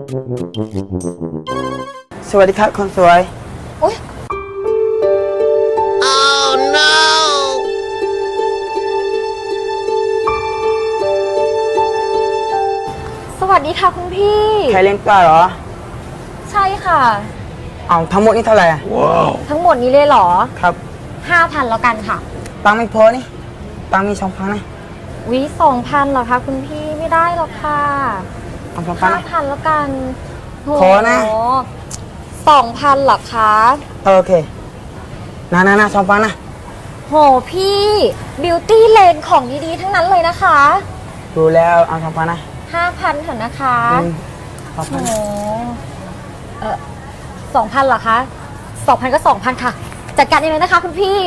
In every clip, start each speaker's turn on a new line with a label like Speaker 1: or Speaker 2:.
Speaker 1: สวัสดีครับคนสวย
Speaker 2: โอ๊ย
Speaker 3: Oh no!
Speaker 2: สวัสดีค่ะคุณพี่
Speaker 1: ใครเล่นกล้าเหรอ
Speaker 2: ใช่ค่ะ
Speaker 1: เอาทั้งหมดนี่เท่าไหร่อะ
Speaker 2: ทั้งหมดนี้เลยเหรอ
Speaker 1: ครับ
Speaker 2: 5,000แล้วกันค่ะ
Speaker 1: ตังค์ไม่พอนี่ตังค์มี2,000นะ
Speaker 2: วิ2,000เหรอคะคุณพี่ไม่ได้หรอกค่ะ
Speaker 1: เอา2,000นะ
Speaker 2: 5,000แล้วกันโห
Speaker 1: ขอนะ
Speaker 2: 2,000เหรอคะ
Speaker 1: โอเคนะ2,000นะ
Speaker 2: โหพี่บิวตี้เลนของดีๆทั้งนั้นเลยนะคะ
Speaker 1: ดูแล้วเอา2,000นะ
Speaker 2: 5,000เถอะนะคะ
Speaker 1: สอง
Speaker 2: โห
Speaker 1: พัน
Speaker 2: 2,000เหรอคะ2,000ก็2,000ค่ะ จัดการเองเลยนะคะคุณพี่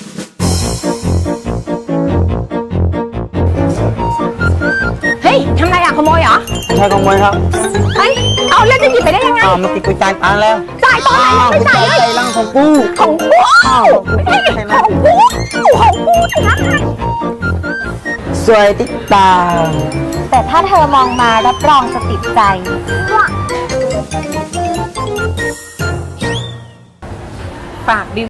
Speaker 4: เฮ้ยทำไรอ่ะขโมยเหรอ
Speaker 1: ใช่ขโมยครับ
Speaker 4: เฮ้ยเอาแล้วจะหยิบไปได้ยังไง
Speaker 1: อ้าวมันติดกุญแจตังค์แล้ว
Speaker 4: จ่ายตอนไหนยังไม่จ่ายเลย
Speaker 1: ใจรังของกู
Speaker 4: ของกู
Speaker 1: อ้าว
Speaker 4: ไม่ใช่ของกูของกูชนะ
Speaker 1: สวยติดตาม
Speaker 2: แต่ถ้าเธอมองมารับรองจะติดใจ
Speaker 4: ฝากบิว